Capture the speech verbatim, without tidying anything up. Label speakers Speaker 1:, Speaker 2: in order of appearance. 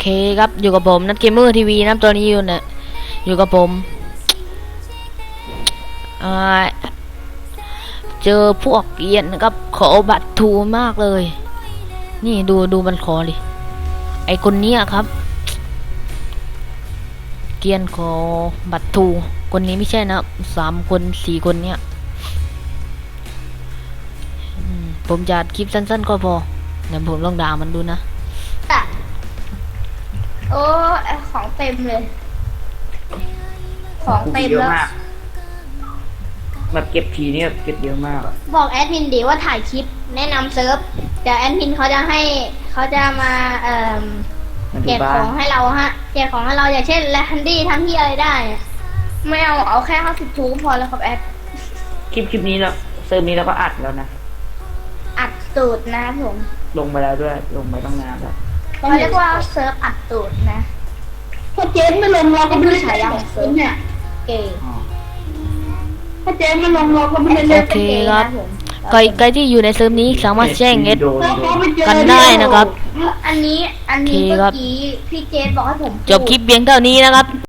Speaker 1: ครับอยู่กับผมนัทเกมเมอร์ทีวีนะตอนนี้อยู่เนี่ยอยู่กับผมอ่าเจอพวกเกียนนะครับขอบัตรทูมากเลยนี่ดูดูมันขอดิไอคนเนี้ยครับเกียนขอบัตรทูคนนี้ไม่ใช่นะสามคนสี่คนเนี้ยผมจะคลิปสั้นๆก็พอเดี๋ยวผมลองด่ามันดูนะ
Speaker 2: โอ้ของเต็มเลยของเต็มแล้ว
Speaker 3: แบบเก็บทีนี่เก็บเยอะมากอะ
Speaker 2: บอกแอดมินดีว่าถ่ายคลิปแนะนำเซิร์ฟเดี๋ยวแอดมินเขาจะให้เขาจะมาเอ่อแจกของให้เราฮะแจกของให้เราอย่างเช่นแลนดี้ทำที่อะไรได้ไม่เอาเอาแค่ห้าสิบทูพอแล้วครับแอด
Speaker 3: คลิปคลิปนี้แล้วเซิร์ฟนี้แล้วก็อัดแล้วนะ
Speaker 2: อัดตูดนะผม
Speaker 3: ลงไปแล้วด้วยลงไปต้องนานแล้ว
Speaker 2: เขาเรียกว่าเซิร์ฟอัดตูดนะ
Speaker 4: ถ้าเจ๊ไม่ลงเราก็ไม่ได้ฉายาของเซิร์ฟเนี่ย
Speaker 2: เก๋
Speaker 4: ถ้าเจ๊ไม่ลงเราก็ไม่ได้เล่น
Speaker 1: โอเคครับใครใครที่อยู่ในเซิร์ฟนี้สามารถแจ้งเอสกั
Speaker 4: น
Speaker 1: ได้นะครับ
Speaker 2: อันนี้อันนี้เมื่อกี้พี่เจสบอกให้ผม
Speaker 1: จบคลิปเพียงเท่านี้นะครับ